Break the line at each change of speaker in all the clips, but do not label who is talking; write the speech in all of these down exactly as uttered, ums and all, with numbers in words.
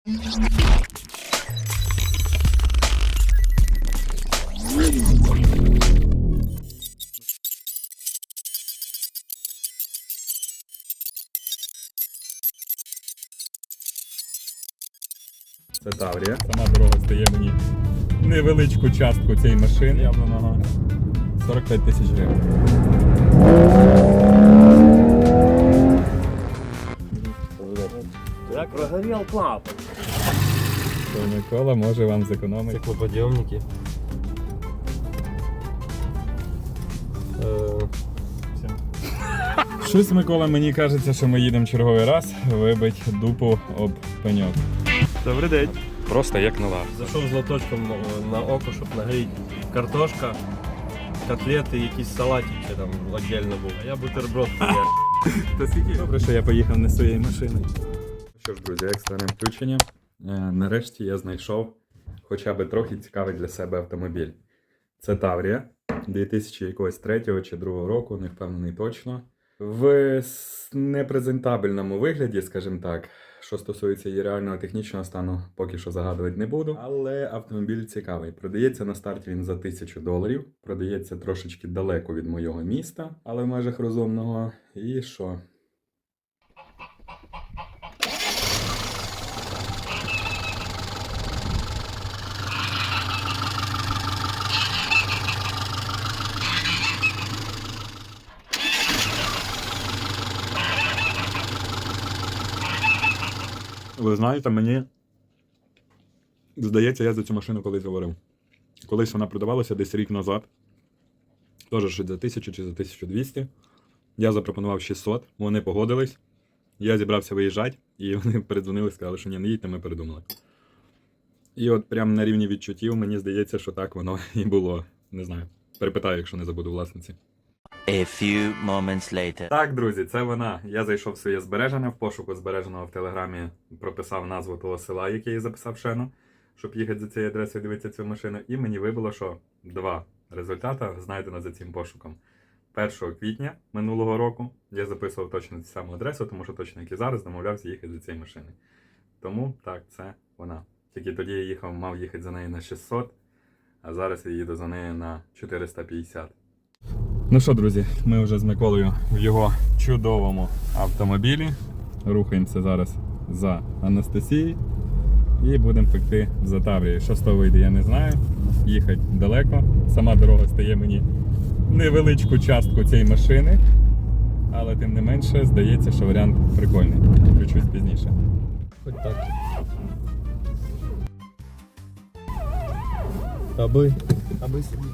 Це Таврія. Сама дорога стає мені невеличку частку цієї машини явленого сорок п'ять тисяч гривень.
Я прогорел клапан.
То Микола може вам зекономити.
Стеклоподъемники.
Щось, Микола, мені кажеться, що ми їдемо черговий раз вибить дупу об пеньок.
Добрий день.
Просто як нова.
Зайшов з лоточком на око, щоб нагріти картошка, котлети, якийсь салатик ще там віддільно був. А я бутерброд поїв.
Та скільки добре, що я поїхав не своєю машиною. Що ж, друзі, екстрене включення. Нарешті я знайшов хоча б трохи цікавий для себе автомобіль. Це Таврія дві тисячі третього чи другого року, не впевнений точно. В непрезентабельному вигляді, скажімо так, що стосується її реального технічного стану, поки що загадувати не буду. Але автомобіль цікавий. Продається на старті він за тисячу доларів. Продається трошечки далеко від моєго міста, але в межах розумного. І що? Ви знаєте, мені здається, я за цю машину колись говорив. Колись вона продавалася десь рік назад. Теж щось за тисячу чи за тисячу двісті. Я запропонував шістсот, вони погодились. Я зібрався виїжджати, і вони передзвонили, сказали, що ні, не їдьте, ми передумали. І от прямо на рівні відчуттів, мені здається, що так воно і було. Не знаю. Перепитаю, якщо не забуду власниці.
A few moments later.
Так, друзі, це вона. Я зайшов в своє збережене, в пошуку збереженого в Телеграмі прописав назву того села, яке я записав шену, щоб їхати за цією адресою дивитися цю машину. І мені вибило, що два результати знайдено за цим пошуком. першого квітня минулого року я записував точно цю саму адресу, тому що точно, як і зараз, домовлявся їхати за цією машиною. Тому, так, це вона. Тільки тоді я їхав, мав їхати за нею на шістсот, а зараз я їду за нею на чотириста п'ятдесят. Ну що, друзі, ми вже з Миколою в його чудовому автомобілі. Рухаємося зараз за Анастасією і будемо пекти за Таврією. Що з того вийде, я не знаю. Їхати далеко. Сама дорога стає мені невеличку частку цієї машини, але тим не менше, здається, що варіант прикольний. Включусь пізніше.
Хоч так. Аби. Аби собі.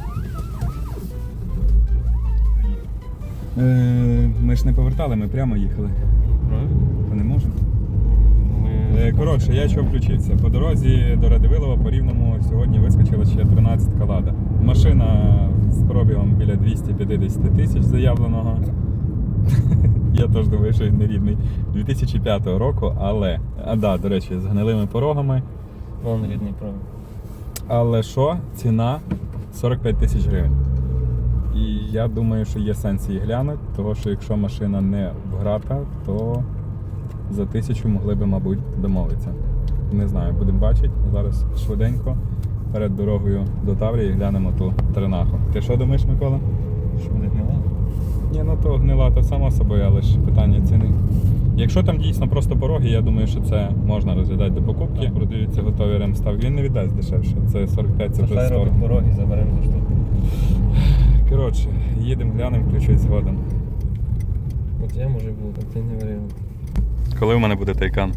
Е, ми ж не повертали, ми прямо їхали. Ми не можемо. Е, коротше, я чого включився. По дорозі до Радивилова по Рівному сьогодні вискочила ще тринадцятка Лада. Машина з пробігом біля двісті п'ятдесят тисяч заявленого. Я теж думаю, що він не рідний. дві тисячі п'ятого року, але... А, да, до речі, з гнилими порогами.
Вон рідний пробіг.
Але що? Ціна сорок п'ять тисяч гривень. І я думаю, що є сенс її глянути, тому що якщо машина не вграта, то за тисячу могли би, мабуть, домовитися. Не знаю, будемо бачити. Зараз швиденько перед дорогою до Таврії глянемо ту тринаху. Ти що думаєш, Микола?
Що буде гнила?
Ні, ну то гнила, то само собою, але ж питання ціни. Якщо там дійсно просто пороги, я думаю, що це можна розглядати до покупки. Продаються готові ремставки, він не віддасть дешевше. Це сорок п'ять, це вже
Хай
сорок.
робить пороги, заберемо за штуку.
Коротше, їдемо, глянемо, включусь згодом.
От я може був, а ти не варіант.
Коли в мене буде Тайкан?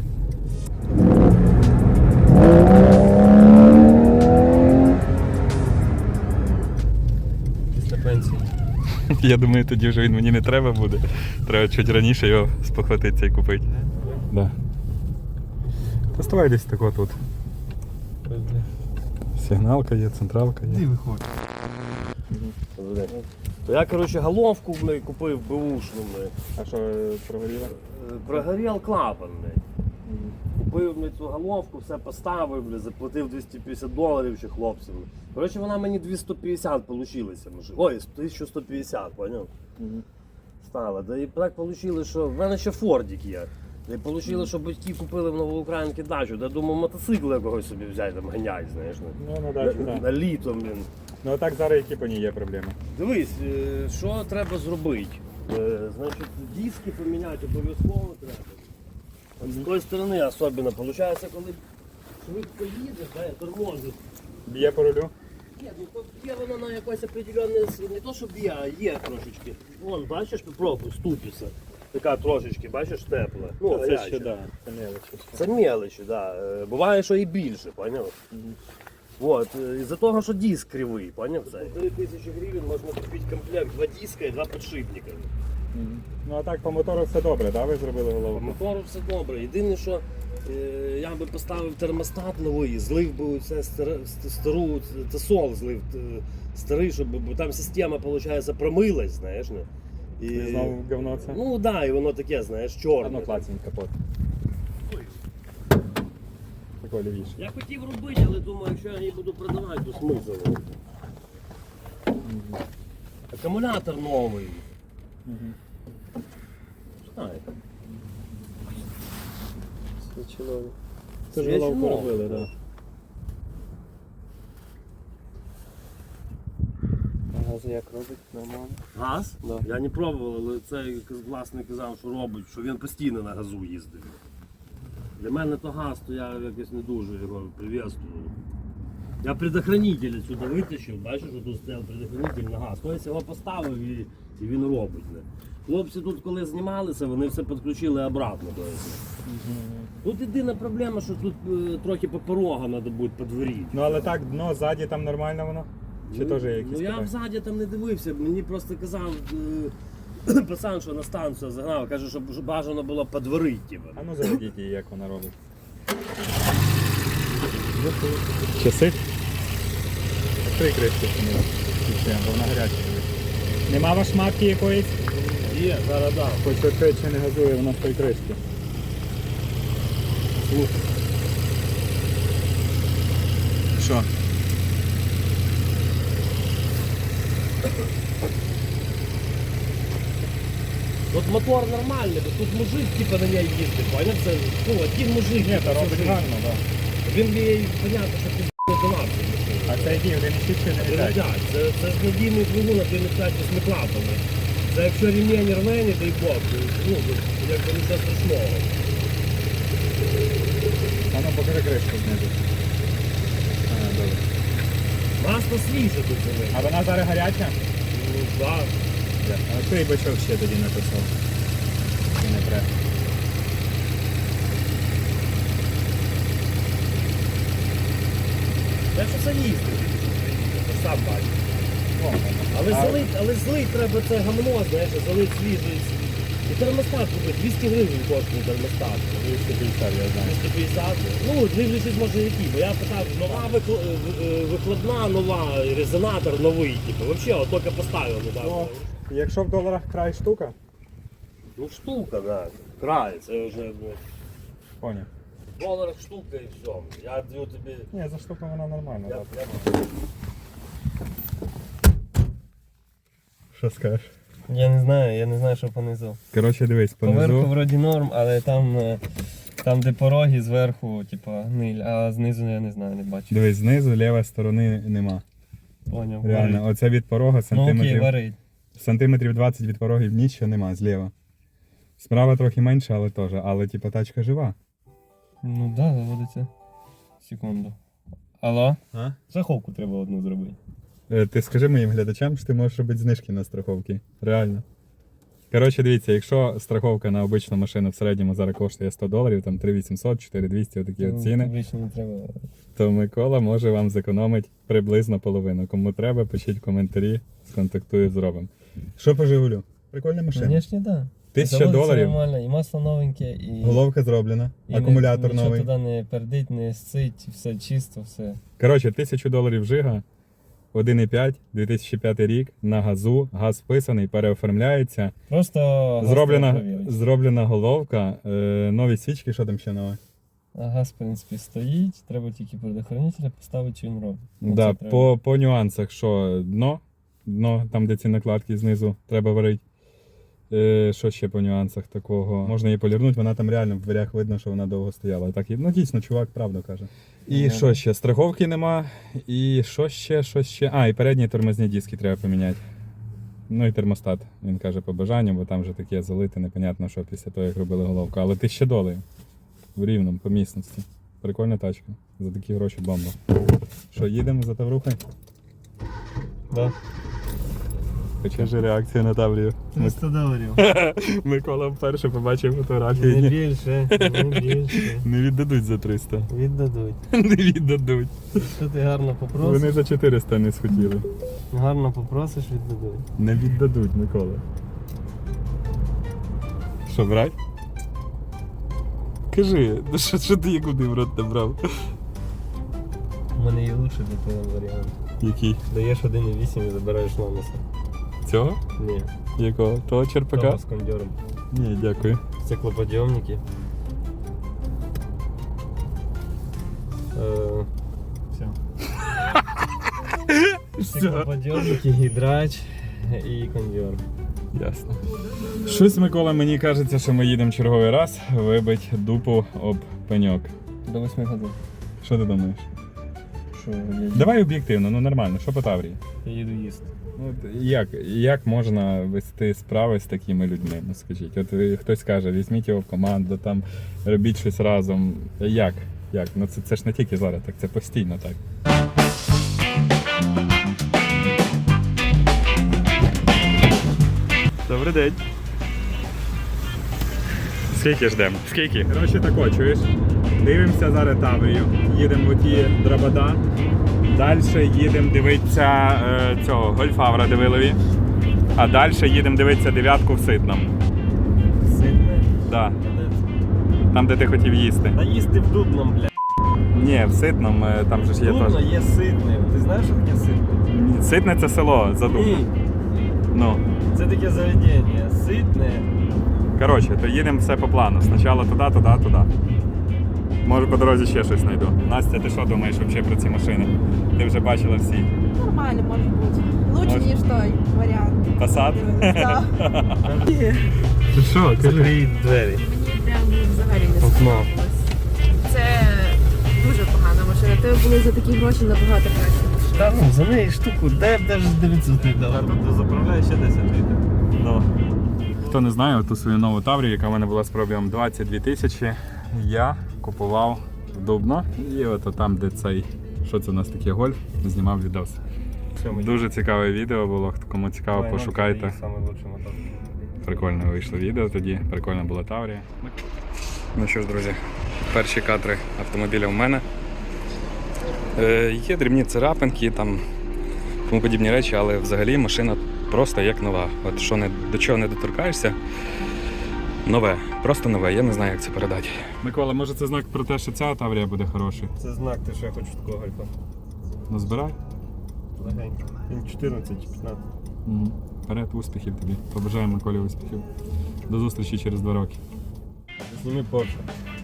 Після пенсії.
Я думаю, тоді вже він мені не треба буде. Треба чуть раніше його спохватитися і купити. Да. Поставай десь тако тут. Сигналка є, централка є.
Ти виходь. То я, короче, головку, блядь, купив беушну, блядь.
А що, прогоріло?
Прогорел клапан, блядь. Купив, блядь, цю головку, все поставив, блядь, заплатив двісті п'ятдесят доларів ще хлопцям. Короче, вона мені двісті п'ятдесят получилася. Ой, тисяча сто п'ятдесят, поняв?
Угу.
Стала. Да і так вийшло, що в мене ще Фордик є. І вийшло, що батьки купили в Новоукраїнці дачу. Я думав, мотоцикл якогось собі взяти, там ганять, знаєш.
Ну, на
На,
дачу,
на,
так.
на літо, блін.
Ну, а так зараз які по ній є проблеми.
Дивись, е, що треба зробити? Е, Значить, диски поміняти обов'язково треба. З тої сторони особливо. Получається, коли швидко їдеш, да, тормозиш.
Б'є по рулю?
Ні, ну то є воно на якось определенне, не то що б'є, а є трошечки. Вон, бачиш, попробуй, ступіться. Така трошечки, бачиш, тепла. Ну,
Це
гаряча.
ще, да, це мелочі.
Це мелочі, да. Е, Буває, що і більше, поняв? Вот. е, Із-за того, що диск кривий, поняв це? три тисячі гривень можна купити комплект, два диска і два підшипника.
Мгм. Ну, а так по мотору все добре, да? Ви зробили
По
голову?
мотору все добре. Єдине, що е, я би поставив термостат новий, злив би це стару тесол, злив е, старий, щоб бо там система, виходить, промилась, знаєш. Не? І,
І знову говно це?
Ну так, да, і воно таке, знаєш, чорне.
Одно клацень капот. Такой лівіше.
Я хотів робити, але думаю, якщо я її буду продавати, то смисл. Акумулятор новий.
Мгм.
Знаю.
Свічинові. Це ж
Свічинові.
головку робили, так. Да.
Газ як робить? Нормально.
Газ?
Да.
Я не пробував, але цей власник казав, що робить, що він постійно на газу їздив. Для мене то газ, то я якось не дуже його приветствую. Я предохранитель сюди витащив, бачиш, що тут стояв предохранитель на газ. Тобто його поставив і, і він робить. Не? Хлопці тут, коли знімалися, вони все підключили обратно. Тобто. Тут єдина проблема, що тут е, трохи по порогам треба буде подворити.
Ну, але так, дно ззаді там нормально воно? Чи
Ну,
теж є якісь
Ну я
питання?
взаді там не дивився, мені просто казав е, пацан, що на станцію загнав, каже, що б- бажано було подворити. Типу.
А ну заведіть її, як вона робить. Часи? Три кришки поміла. Бо вона гаряча. Нема ваш матки якоїсь?
Є, зараз дам.
Хоч відкрити, чи не газує вона з тої кришки.
Слухай.
Що?
Тут мотор нормальний, бо тут мужик типу, на ній їздить, поняв? Це ну, один мужик.
Ні,
типу,
то робить
мужик.
гарно, так.
Він їй, понятно, що ти не донав.
А це які? Один і шість чи не п'ять?
Це, це ж надійний двигун на п'ять восьмиклапами. Це якщо ремінь рве, не дай Бог, то, ну, якби нічого страшного.
А ну покажи кришку знизу. Ага, добре.
Масло свіже тут зелене.
А вона зараз гаряча?
Ну, да.
А той бачок ще тоді написав. Чи не треба?
Я що це їздив, ти ж сам бачиш.
О,
Але
а-
залить, але злить треба це гамно, знаєш, залить свіжий. І термостат купить, двісті гривень коштує термостат.
двісті п'ятдесят, я знаю.
двісті п'ятдесят. Ну, дивлячись, може який, бо я питав, нова викл- е, викладна, нова, резонатор новий, типу, взагалі, от тільки поставив недавно.
Ну, якщо в доларах край штука,
Ну штука, да. Край, це вже ну,
поняв.
в доларах штука і все. Я даю тобі.
Ні, за штуку вона нормальна.
Я,
так.
я...
Що скажеш?
Я не знаю, я не знаю, що понизу.
Коротше, дивись,
Поверху
понизу.
вроді норм, але там, е, там де пороги зверху, типа, гниль, а знизу я не знаю, не бачу.
Дивись, знизу лівої сторони нема.
Поняв.
Реально,
варить.
оце від порога
Ну окей,
сантиметрів,
варить.
сантиметрів двадцять від порогів нічого нема, зліва. Справа трохи менше, але теж. Але типа тачка жива.
Ну да, заводиться. Секунду. Алло?
А?
Страховку треба одну зробити.
Е, Ти скажи моїм глядачам, що ти можеш робити знижки на страховки. Реально. Коротше, дивіться, якщо страховка на обичну машину в середньому зараз коштує сто доларів, там три вісімсот, чотири двісті, отакі от ціни,
Обично не треба.
то Микола може вам зекономити приблизно половину. Кому треба, пишіть в коментарі, сконтактую, зробимо. Що по Жигулю? Прикольна машина.
Звісно, так. Да.
Тисяча
Заводиться
доларів,
нормально, і масло новеньке, і,
головка зроблена,
і
акумулятор
нічого
новий.
туди не пердить, не сцить, все чисто, все.
Коротше, тисячу доларів Жига, один і п'ять, дві тисячі п'ятий рік, на газу, газ вписаний, переоформляється.
Просто газ треба
Зроблена,
перевірити.
зроблена головка, е, нові свічки, що там ще нове?
А газ, в принципі, стоїть, треба тільки предохранителя поставити, що він робить.
Да,
Оце треба.
по, по нюансах, що дно, дно, там де ці накладки знизу треба варити. Е, що ще по нюансах такого? Можна її полірнути, вона там реально в дверях видно, що вона довго стояла. Так, і- ну дійсно, чувак правду каже. І
Ага.
що ще? Страховки нема. І що ще, що ще? А, і передні тормозні диски треба поміняти. Ну і термостат, він каже, по бажанню, бо там вже таке залите, непонятно, що після того, як робили головку. Але тисяча доларів в Рівному, по місності. Прикольна тачка. За такі гроші бомба. Що, їдемо за Таврухою?
Да.
Покажи реакцію на Таврію.
триста доларів.
Микола вперше побачив
Не
фотографії.
більше, не більше.
Не віддадуть за триста.
Віддадуть.
Не віддадуть.
Якщо ти гарно попросиш,
Вони за чотириста не схотіли.
гарно попросиш, віддадуть.
Не віддадуть, Микола. Що, брать? Кажи, ну що, що ти куди в рот набрав?
У мене є лучший для тебе варіант.
Який?
Даєш один і вісім і забираєш ломаса.
Цього?
Ні.
Якого? Того черпака?
Того з кондьором.
Ні, дякую.
Стеклоподйомники. Е, Все. Стеклоподйомники, гідрач і кондьор.
Ясно. Щось, Микола, мені кажеться, що ми їдемо черговий раз вибить дупу об пеньок.
До восьми годин.
Що ти думаєш?
Що я,
Давай об'єктивно, ну нормально, що по Таврії?
я їду їсти.
Ну, от як, як можна вести справи з такими людьми? Ну скажіть, от ви- хтось каже, візьміть його в команду, там робіть щось разом. Як? Як? Ну це, це ж не тільки зараз, так це постійно так. Добрий день. Скільки ждемо? Скільки? Коротше тако, чуєш? Дивимося зараз Таврію, їдемо в ті Драбада. Далі їдемо дивитися е, цього гольфа в Радивилові. А далі їдемо дивитися дев'ятку в Ситному.
Ситне.
Да. Там, де ти хотів їсти.
Та їсти в Дубном, бля.
Ні, в Ситному, е, там же ж є
Дубно
теж.
є ситним. Ти знаєш, що таке ситне?
Ситне це село за Дубном.
Ні.
Ну.
Це таке заведення. Ситне.
Коротше, то їдемо все по плану. Спочатку туди, туди, туди. Може по дорозі ще щось знайду. Настя, ти що думаєш взагалі про ці машини? Ти вже бачила всі.
Нормально, может быть. Лучше,
Может.
ніж той варіант.
Passat?
Да.
Ти що,
Закрий двері.
Мені прям взагалі не
Окно.
сподобалось. Це дуже погана машина. Тебе були за такі гроші набагато краще.
Та ну, за неї штуку, де б навіть дев'ятсот не дав. Тобто заправляє ще десять літрів.
Ну. Хто не знає, ту свою нову Таврію, яка в мене була з пробігом двадцять дві тисячі, я купував в Дубно. І от там, де цей, що це у нас таке, гольф, знімав відос. Дуже цікаве відео було, кому цікаво, пошукайте.
Саме лучший мотор.
Прикольно вийшло відео тоді, прикольна була Таврія. Ну що ж, друзі, перші кадри автомобіля в мене. Е, є дрібні царапинки, там тому подібні речі, але взагалі машина просто як нова. От що не, до чого не доторкаєшся, нове, просто нове, я не знаю, як це передати. Микола, може це знак про те, що ця Таврія буде хорошою?
Це знак, ти що я хочу такого гольфа.
Ну збирай.
Легенько. Він чотирнадцять чи п'ятнадцять.
Угу. Вперед, успіхів тобі. Побажаємо Миколі успіхів. До зустрічі через два роки.
Зніми Порше.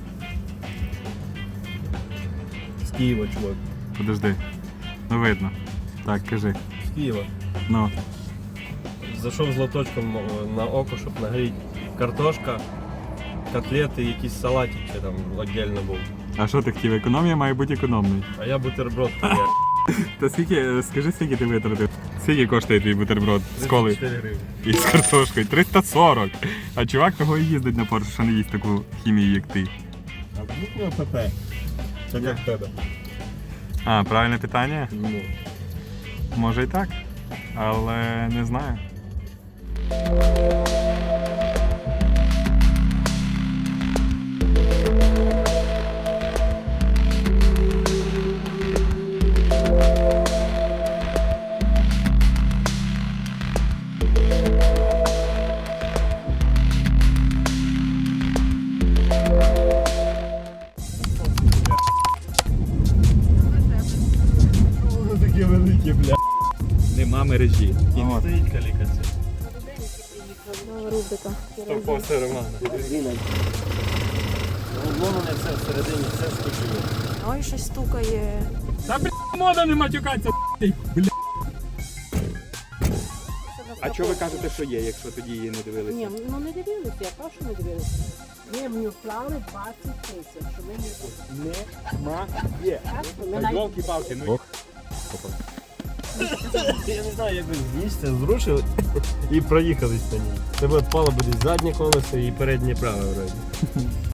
З Києва, чувак.
Подожди. Ну видно. Так, кажи.
З Києва.
Ну.
Зайшов з лоточком на око, щоб нагріти. Картошка, котлети, якийсь салатик ще там віддільно був.
А що ти хотів? Економія має бути економною.
А я бутерброд хуя.
Та скільки, скажи, скільки ти витратив? Скільки коштує твій бутерброд з колою
тридцять чотири гривні.
і з картошкою? триста сорок. А чувак того і їздить на Порше, що не їсть таку хімію, як ти.
А вмикнув ПП. Так як в тебе.
А, правильне питання?
Ну.
Може і так, але не знаю.
Воно таке велике, бля.
Нема мережі.
І не стоїть калікація.
Нова рубрика.
Торпоси Романа. Воно не все всередині, все скочило.
Ой, щось стукає.
Та бля, мода не матюкаться, бля. А чого ви кажете, що є, якщо тоді її не дивилися?
Ні, ну не дивилися, я кажу, що не дивилися. Ні, мені вклали двадцять тисяч, що ми не
Нема є.
Ми навіть...
Йолки-палки, ну
Ох. Я не знаю, як ви з місця зрушили і проїхались на ній. Тебе відпало буде заднє колесо і переднє праве вроді.